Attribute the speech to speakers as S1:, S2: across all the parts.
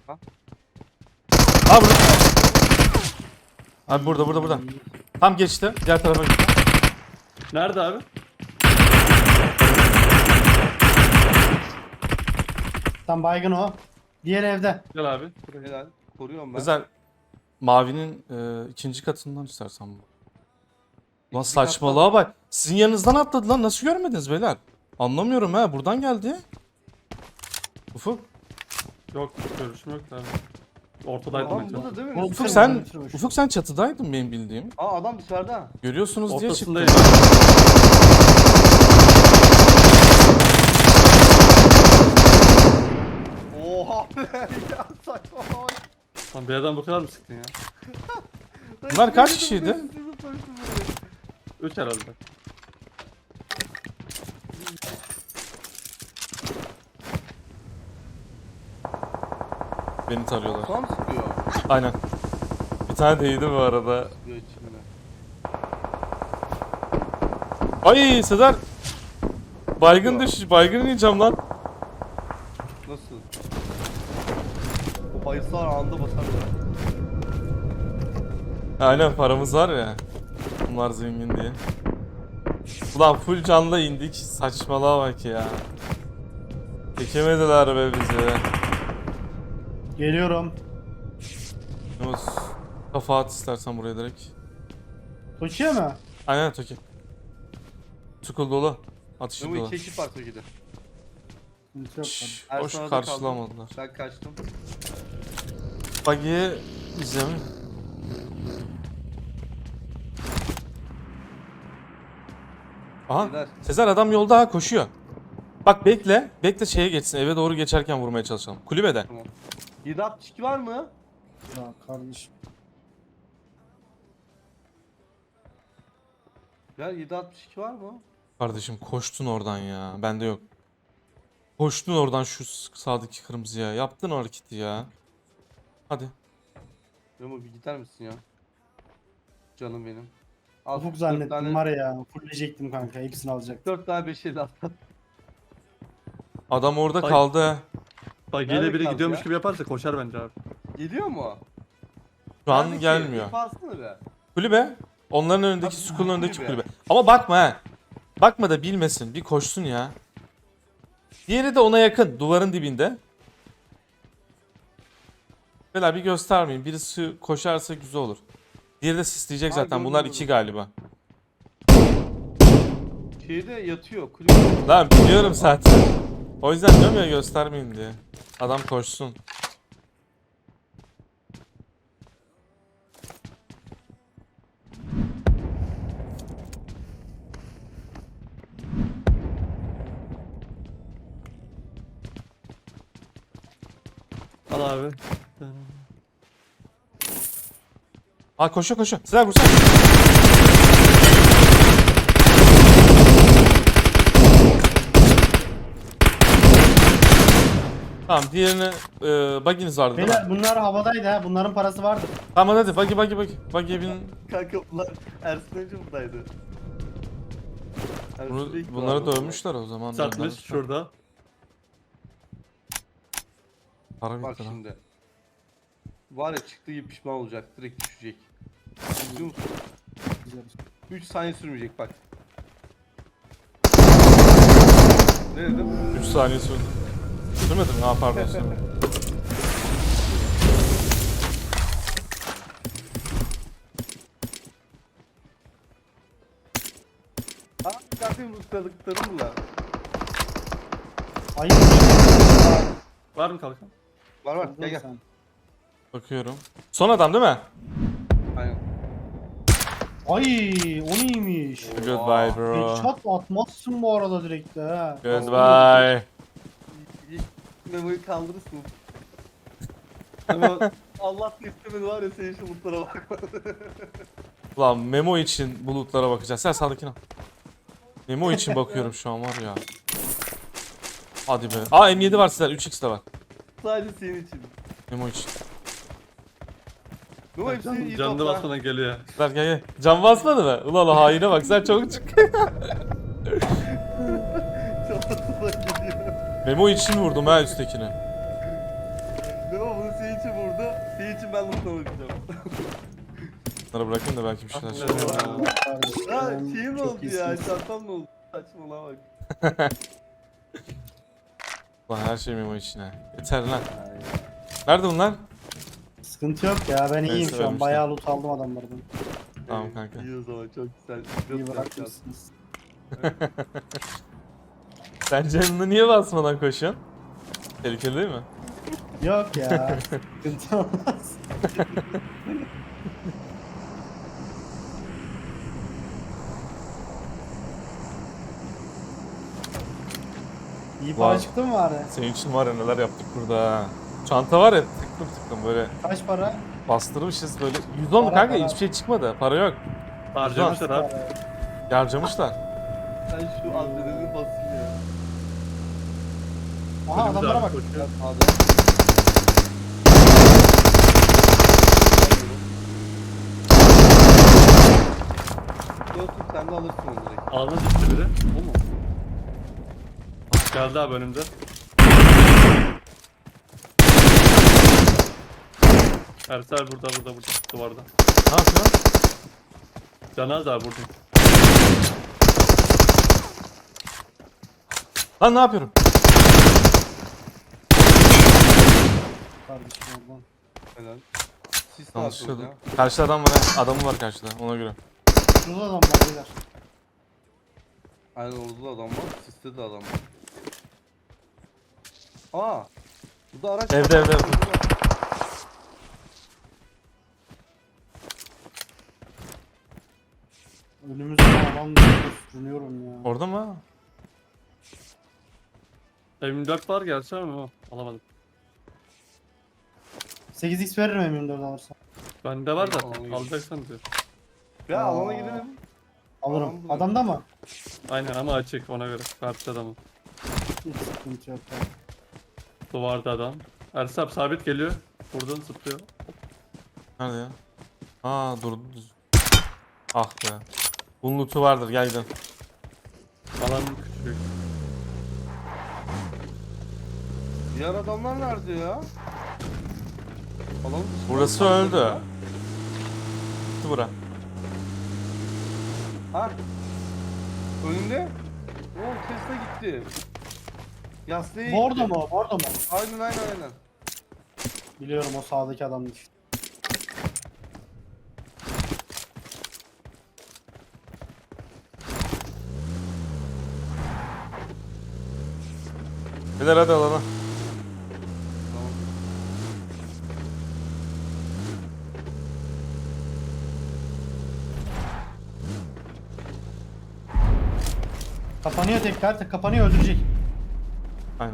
S1: Ha?
S2: Abi burada. Abi burada. Tam geçti. Diğer tarafa gitti.
S3: Nerede abi?
S4: Tam baygın o. Diğer evde.
S3: Gel abi.
S1: Helal. Koruyorum ben.
S2: Özel mavinin ikinci katından istersen bu. Lan
S1: İkinci
S2: saçmalığa bak. Sizin yanınızdan atladı lan. Nasıl görmediniz beyler? Anlamıyorum ha. Buradan geldi. Ufuk.
S3: Yok görüşüm yok abi. Ortadaydım
S1: Adam
S3: ben.
S1: burada değil mi?
S2: Ufuk
S4: Sen-
S2: sen Ufuk sen çatıdaydın benim bildiğim.
S1: Aa adam dışarıda.
S2: Görüyorsunuz diye çıktı.
S3: Ortasındayım.
S1: Oha be ya saçma.
S3: Lan bir adam bu kadar mı sıktın ya?
S2: Bunlar kaç kişiydi?
S3: 3 herhalde.
S2: Beni tarıyorlar.
S1: Tam sıkıyor.
S2: Aynen. Bir tane değdi bu arada.
S1: Sıkıyor içimde.
S2: Ay Sezer. Baygın düş. Baygın yiyeceğim lan.
S1: Nasıl? O bayılsalar anında basar ya.
S2: Aynen paramız var ya. Bunlar zengin diye. Ulan full canla indik. Saçmalığa bak ya. Çekemediler be bizi.
S4: Geliyorum.
S2: Yunus. Kafa at istersen buraya direkt.
S4: Koşuyor mu?
S2: Aynen Toki. Tukul dolu. Atışı
S1: Memo
S2: dolu.
S1: iki ekip var Toki'de.
S4: Sıkıntı yok.
S2: Şşş,
S1: Ersan
S2: boş
S1: arada
S2: karşılamadılar.
S1: Ben kaçtım.
S2: Buggy'ye izlemi. Aha.
S1: Neler?
S2: Sezer adam yolda ha koşuyor. Bak bekle. Bekle şeye geçsin. Eve doğru geçerken vurmaya çalışalım. Kulübede.
S1: Tamam. 762 var mı?
S4: Ya kardeşim.
S1: Ya 762 var mı?
S2: Kardeşim koştun oradan ya. Bende yok. Koştun oradan şu sağdaki kırmızıya. Yaptın o hareketi ya. Hadi.
S1: Memo bir gider misin ya? Canım benim. Al,
S4: Ufuk
S1: 4
S4: zannettim
S1: tane,
S4: var ya. Fulleyecektim kanka. Hepsini alacaktım.
S1: 4 tane 550 atlat.
S2: Adam orada
S3: Bak.
S2: kaldı.
S3: Bak
S1: Nerede
S3: yine biri
S1: kaldı
S3: gidiyormuş
S1: ya?
S3: gibi yaparsa koşar bence abi.
S1: Geliyor mu?
S2: Şu an
S1: Neredeki?
S2: gelmiyor.
S1: Bir bassana be.
S2: Kulübe. Onların önündeki,
S1: Abi,
S2: Skull'un önündeki
S1: kulübe.
S2: kulübe. Ama bakma ha. Bakma da bilmesin. Bir koşsun ya. Diğeri de ona yakın. Duvarın dibinde. Beyler bir göstermeyin. Birisi koşarsa güzel olur. Diğeri de sisleyecek
S1: Ha,
S2: zaten.
S1: gördüm,
S2: Bunlar
S1: gördüm.
S2: 2 galiba.
S1: Şeyde yatıyor. Kulübede.
S2: Lan biliyorum zaten. O yüzden diyorum ya göstermeyin diye. Adam koşsun.
S3: Al abi.
S2: Ha koşuyor. Sezer vursana. Tamam diğerini buggy'niz vardı değil mi?
S4: Beyler bunlar havadaydı ha. Bunların parası vardı.
S2: Tamam hadi buggy. Buggy'ye binin.
S1: Kanka bunlar Ersin önce buradaydı. Ersin ilk
S2: Bunları
S1: vardı.
S2: dövmüşler o zaman.
S3: Sertmiş
S2: göndermişler.
S3: şurada.
S2: Para
S1: Bak
S2: bitti lan.
S1: şimdi. Var ya çıktığı gibi pişman olacak. Direkt düşecek. Biliyor musun? 3 saniye sürmeyecek bak. Ne dedim?
S2: 3 saniye sürdü. Sürmedi mi? Ha pardon sürmedi.
S1: Aa zaten ustalıklarım bunlar.
S4: Ayıp.
S3: Var mı kalkan?
S1: Var gel gel.
S4: Sen.
S2: Bakıyorum. Son adam değil mi?
S1: Aynen.
S4: Ay o neymiş?
S2: Goodbye bro.
S4: Headshot atmazsın bu arada direkt de ha.
S2: Goodbye.
S1: Memo'yu kaldırırsın. Memo Allah da istemedi var ya senin şu mutlara bakma.
S2: Ulan Memo için bulutlara bakacağız. Sen sağdakine al. Memo için bakıyorum şu an var ya. Hadi be. Aa M7 var sizler. 3x de var.
S1: Sadece senin için.
S2: Memo için.
S1: Memo hepsini iyi
S3: Canını
S1: topla.
S3: basmadan geliyor.
S2: Sizler gel. Can basmadı mı? Ulan haine bak sen çabuk çık.
S1: Çabasından geliyor.
S2: Memo için vurdum ha üsttekine.
S1: Memo bunu senin
S2: Bunları bırakayım da belki bir şeyler
S3: Ah,
S2: çıkar.
S3: evet.
S1: Ya
S4: Kardeşim,
S1: şeyim
S4: çok
S1: oldu ya.
S4: iyisiniz.
S1: Çantam ne oldu? Saçmalama bak.
S2: Lan her şey Memo içine. Yeter lan.
S1: Ay.
S2: Nerede bunlar?
S4: Sıkıntı yok ya, ben iyiyim şu an.
S2: vermişler.
S4: Bayağı loot aldım adamlardan.
S2: Tamam kanka.
S1: İyi o zaman çok güzel.
S4: İyi
S1: Çok
S4: bırakmışsınız.
S2: Sen canını niye basmadan koşuyorsun? Tehlikeli değil mi?
S4: Yok ya, sıkıntı olmaz. İyi para
S2: Var.
S4: çıktı mı bari?
S2: Senin için var ya neler yaptık burada ha. Çanta var ya tıklım tıklım böyle
S4: Kaç para?
S2: bastırmışız böyle. 110 mu
S4: Para,
S2: kanka?
S4: para.
S2: Hiçbir şey çıkmadı. Para yok.
S3: Harcamışlar abi.
S2: Harcamışlar.
S1: Sen şu adrenalini basın ya.
S4: Aha
S3: Önümüzde
S4: adamlara
S3: abi
S4: bak.
S3: koşuyor.
S1: Adam. Yok sen de alırsın onu direkt.
S3: Ağzına düştü biri. O mu? Geldi abi önümde. Ersel burada duvarda.
S2: Ne yapıyorsun?
S3: Canaz abi buradayım.
S2: Lan ne yapıyorum?
S4: Kardeşim oradan.
S1: Helal. Siz ne
S2: Yanlış
S1: yapıyorsunuz
S2: söyledim.
S1: ya?
S2: Karşıda adam var ha. Adamı var karşıda ona göre.
S4: Şurada adam var beyler.
S1: Aynen orada da adam var. Siste de adam var. Aa. Bu da araç.
S2: Evde, evde.
S4: Önümüzde adam sürünüyorum ya.
S2: Orada mı?
S3: M24 var gerçi ama alamadım.
S4: 8x veririm M24 alırsan.
S3: Bende var da
S1: Alayım.
S3: alacaksan diyor.
S1: Ya
S4: Aa.
S1: alana girelim.
S4: Alırım.
S1: Tamam,
S4: Adamda mı?
S3: Aynen ama açık ona göre. Karşı adamı.
S4: Hiç sıkıntı yok. ya.
S3: Duvarda adam. Ersel abi sabit geliyor. Buradan zıplıyor.
S2: Nerede ya? Aa durdu düz. Ah be. Bunun loot'u vardır gel gidelim.
S3: Alan küçük.
S1: Diğer adamlar nerede ya? Alanın dışında
S2: Burası
S1: mı
S2: öldü.
S1: kaldı
S2: Gitti bura.
S1: ya? Ha? Önünde? Oo Tesla gitti. Yaslıya gitti.
S4: Bordo mu? Bordo mu?
S1: Aynen.
S4: Biliyorum o sağdaki adamdı işte.
S2: Beyler hadi alana.
S1: Tamam.
S4: Kapanıyor tekrar. Kapanıyor öldürecek.
S2: Aynen.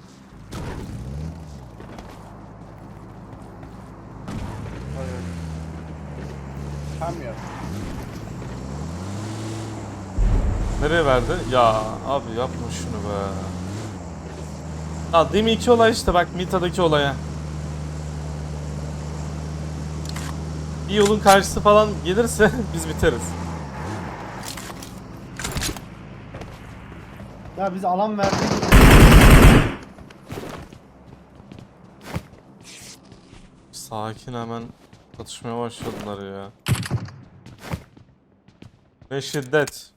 S1: Hayır. Hem ya.
S2: Nereye verdi? Ya abi yapma şunu be. Ya değil mi iki olay işte bak Mita'daki olaya. Bir yolun karşısı falan gelirse biz biteriz.
S4: Ya biz alan verdik.
S2: Sakin hemen atışmaya başladılar ya. Ve şiddet.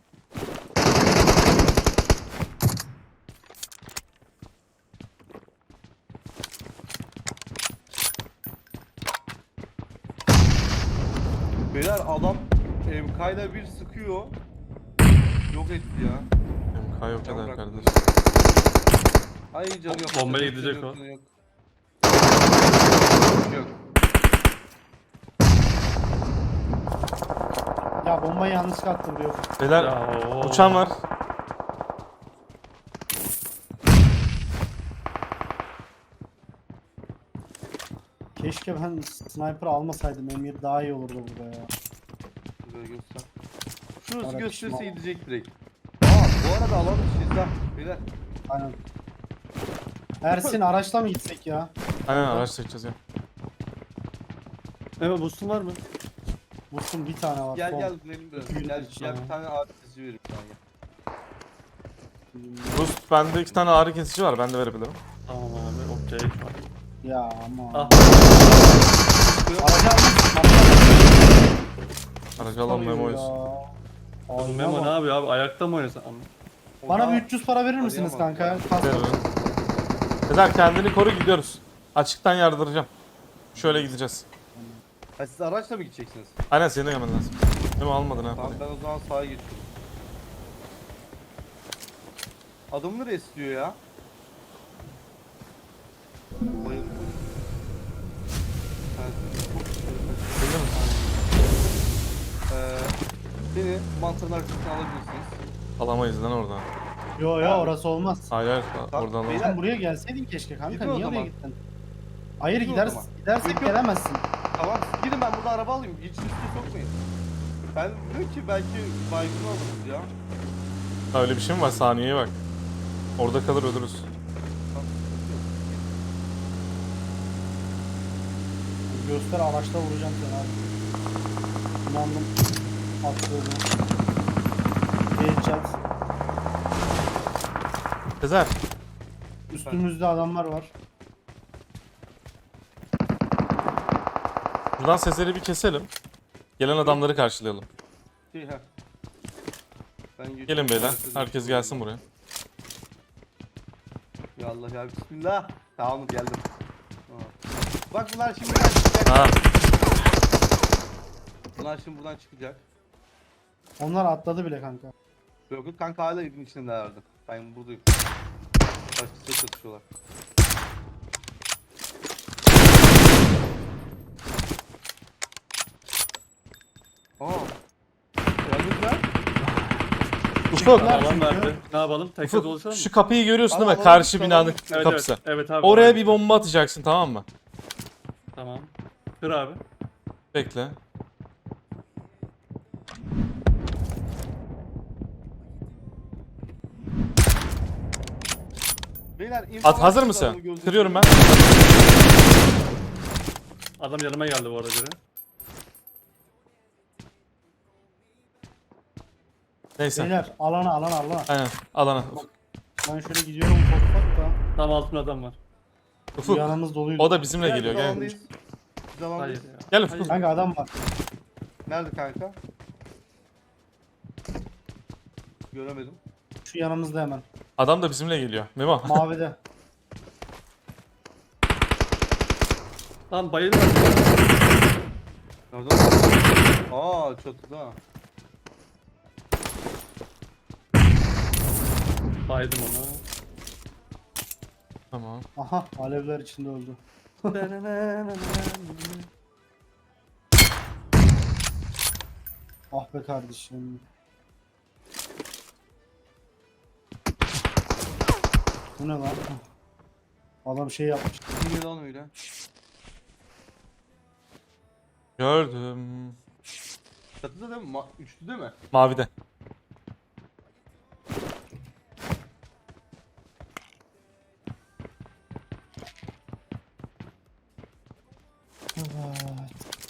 S1: Beyler adam MK'yla bir sıkıyor. Yok etti ya.
S2: MK yok
S1: Can
S2: eder
S1: bıraktı.
S2: kardeş.
S1: Ay canı yok.
S3: Bombaya
S1: Canı
S3: gidecek
S1: yok,
S3: o.
S1: canı yok. Yok.
S4: Ya bombayı yanlışlıkla attım diyor.
S2: Beyler
S3: Ya, oo.
S2: uçan var.
S4: Keşke ben sniper almasaydım. M7 daha iyi olurdu burada ya.
S1: Şuraya göster. Şurası
S4: Ara
S1: gösterse
S4: pişman.
S1: gidecek direkt. Aa bu arada alan dışıyız ha. Beyler.
S4: Aynen. Ersin araçla mı gitsek ya?
S2: Aynen araç çekeceğiz ya.
S3: Evet boostun var mı?
S4: Vursun bir tane var.
S1: Gel
S4: son.
S1: gel benim biraz.
S4: İki gün
S1: Gel,
S4: olmuş
S1: gel
S3: sana.
S1: bir tane ağrı kesici vereyim sana gel.
S2: Rust bende 2 tane ağrı kesici var ben de verebilirim.
S3: Tamam abi okey.
S4: Ya ama.
S3: Ah.
S4: Aracı almışsın.
S2: Aracı alan Memo'yuz.
S3: Oğlum Memo ne yapıyor abi? Ayakta mı oynasan?
S4: Bana bir 300 para verir misiniz
S1: Arayamaz
S4: kanka?
S1: ya.
S4: Kask.
S2: Sezer kendini koru, gidiyoruz. Açıktan yardıracağım. Şöyle gideceğiz.
S1: Ha, siz araçla mı gideceksiniz?
S2: Aynen senin de gelmen lazım. Memo almadın ha.
S1: Tamam ben o zaman sağa geçiyorum. Adamı nereye istiyor ya? Bayıldım.
S2: Bildin mi?
S1: Beni mantarın arkasına alabilirsiniz.
S2: Alamayız lan oradan.
S4: Yo yo orası olmaz.
S2: Hayır hayır
S1: Tamam,
S2: oradan
S1: beyler.
S2: alamam.
S4: Sen buraya gelseydin keşke kanka.
S1: Gidin o
S4: Niye oraya
S1: zaman.
S4: gittin? Hayır
S1: Gidin o
S4: gideriz.
S1: zaman.
S4: Gidersek
S1: Yok, yok.
S4: gelemezsin.
S1: Tamam siz gidin ben burada araba alayım. Hiç riske sokmayın. Ben diyorum ki belki baygın oluruz ya.
S2: Ha, öyle bir şey mi var? Saniyeye bak. Orada kalır ölürüz.
S1: Tamam, sıkıntı yok.
S4: Göster araçla vuracağım seni abi. İnandım. Attığını. Headshot.
S2: Sezer.
S4: Üstümüzde adamlar var.
S2: Buradan Sezer'i bir keselim. Gelen adamları karşılayalım.
S1: Şey, ha. Ben geçiyorum.
S2: Gelin beyler.
S1: Herkes
S2: Herkes
S1: geçiyor.
S2: gelsin buraya.
S1: Ya Allah ya bismillah. Tamam geldim. Aa. Bak bunlar şimdi buradan çıkacak.
S2: Ha.
S1: Bunlar şimdi buradan çıkacak.
S4: Onlar atladı bile kanka.
S1: Yok yok kanka hala evin içindelerdi. Ben buradayım. Başkasıyla çatışıyorlar. Aa. Geldiniz lan.
S2: Ufuk.
S4: Çıktılar
S3: Alan
S4: çünkü.
S3: verdi. Ne yapalım? Tekrar
S2: Ufuk
S3: dolaşalım mı?
S2: şu kapıyı görüyorsun değil mi?
S1: Alalım,
S2: Karşı
S1: alalım.
S2: binanın
S1: Evet,
S2: kapısı.
S3: Evet, evet abi.
S2: Oraya bir bomba atacaksın, tamam mı?
S3: Tamam. Kır abi.
S2: Bekle.
S1: Beyler,
S2: At, hazır
S1: adamı
S2: mısın?
S1: gözünüzü
S2: Kırıyorum ben.
S3: Adam yanıma geldi bu arada biri.
S2: Neyse.
S4: Beyler alana.
S2: Aynen. Alana.
S4: Ben şöyle gidiyorum ufak ufak da.
S3: Tam altında adam var.
S2: Ufuk.
S4: Yanımız doluydu.
S2: O da bizimle
S1: Gel,
S2: geliyor.
S1: biz
S2: Gel.
S1: alandayız. Biz alandayız.
S3: Hayır ya.
S2: Gel
S3: Hayır.
S2: Ufuk.
S4: Kanka adam var.
S1: Nerede kanka? Göremedim.
S4: Şu yanımızda hemen.
S2: Adam da bizimle geliyor. Memo.
S4: Mavide.
S3: Lan bayılma.
S1: Nerede? Aa çatıda.
S3: Baydım onu.
S2: Tamam.
S4: Aha alevler içinde öldü. Ah be kardeşim. Bu ne lan? Adam şey yapmış.
S1: Kim lan öyle?
S2: Gördüm.
S1: Çatıda değil mi? Üçlü değil mi?
S2: Mavide.
S4: Evet.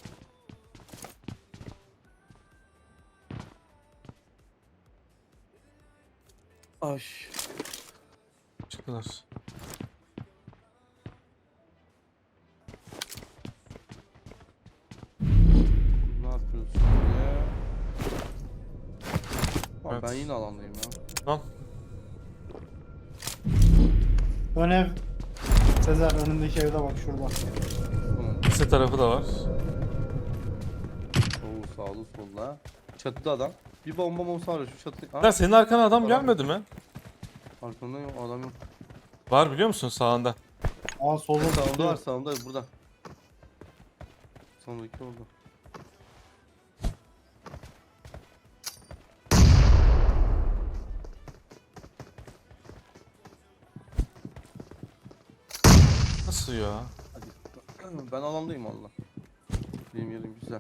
S1: Ay.
S2: Çıktılar.
S1: Ne yapıyorsun ya? Tamam,
S2: Evet.
S1: ben yine alandayım ya.
S2: Tamam.
S4: Ön ev. Sezer önündeki evde bak şurada.
S1: Hı.
S2: Lise tarafı da var.
S1: Oo sağlı solda. Çatıda adam. Bir bomba var ya şu çatı.
S2: Sezer senin arkana adam
S1: Adam
S2: gelmedi mi?
S1: Arkamda yok adam yok.
S2: Var biliyor musun sağında?
S4: Aa solda
S1: Sağımda var sağımda burada. Sondaki oldu.
S2: Nasıl ya?
S1: Hadi. Ben alandayım valla. Benim yerim güzel.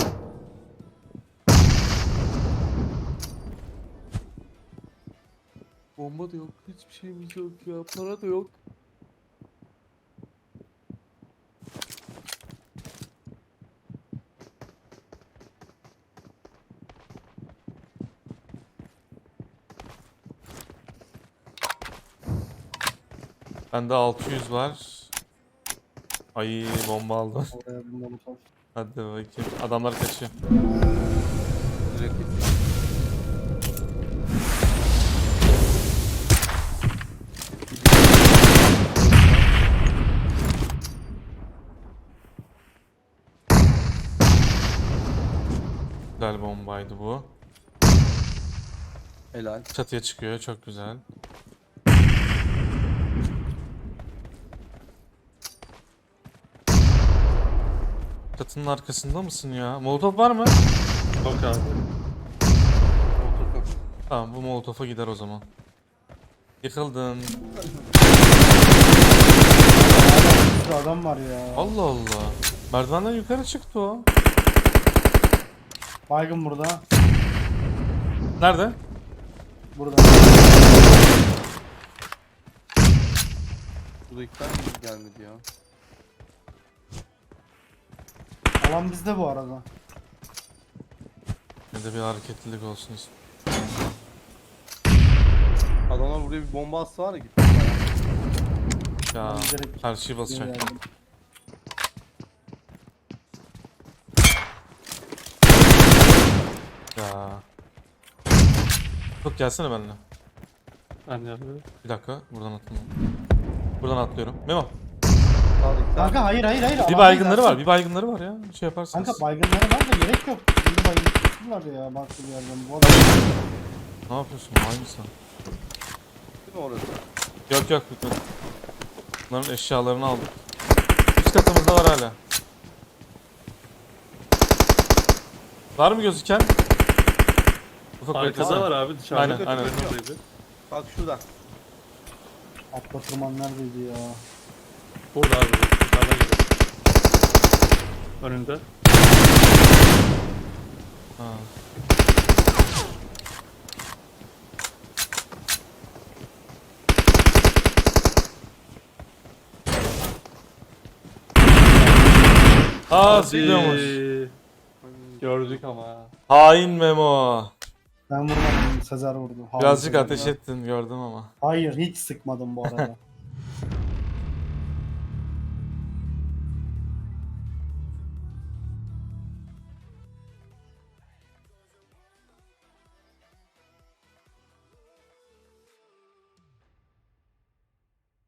S1: Bomba da yok, hiçbir şeyimiz yok ya, para da yok.
S2: Bende 600 var. Ay bomba aldım.
S4: oraya bir molotof.
S2: Hadi bakayım. Adamlar kaçıyor.
S1: Direkt
S2: Güzel bombaydı bu.
S1: helal.
S2: Çatıya çıkıyor. Çok güzel. Çatının arkasında mısın ya? Molotov var mı?
S3: Yok abi.
S1: Otokan.
S2: Tamam, bu Molotov'a gider o zaman. Yıkıldın.
S4: Bir adam var ya.
S2: Allah Allah. Merdivenden yukarı çıktı o.
S4: Baygın burada.
S2: Nerede?
S4: Burada.
S1: Buradakiler mi gelmedi ya?
S4: Alan bizde bu arada.
S2: Ne de bir hareketlilik olsun istedim.
S1: Adamlar buraya bir bomba atsa var ya gitti.
S2: Ya
S4: Ben direkt
S2: her şeyi basacak.
S4: geldim.
S2: Ya. Tut gelsene benimle.
S3: Ben yapıyorum.
S2: Bir dakika buradan atlayalım. Buradan atlıyorum. Memo.
S1: Sağdaki
S4: Kanka hayır.
S2: Bir
S4: alandayız
S2: baygınları
S4: artık.
S2: var. Bir baygınları var ya. Şey yaparsınız.
S4: Kanka baygınlara var da gerek yok. Şimdi baygın tuttular ya baktı bir yerden. Bu adam
S2: Ne yapıyorsun? Hangisi?
S1: değil mi orası?
S2: Yok yok bitmedi. Bunların eşyalarını aldık. Üst katımızda var hala. Var mı gözüken? Ufak
S3: Arkada
S2: beklesene.
S3: var abi dışarıda.
S2: Aynen, aynen.
S3: Oradaydı.
S1: Bak şurada.
S4: atla tırman neredeydi ya?
S3: Burada abi. Dışarıda gidiyor. Önünde.
S2: Ha. Aa zıplıyormuş.
S3: Gördük ama.
S2: Hain Memo.
S4: Ben vurmadım. Sezer vurdu. Hayır,
S2: Birazcık
S4: Sezer
S2: ateş
S4: ya.
S2: ettin gördüm ama.
S4: Hayır hiç sıkmadım bu arada.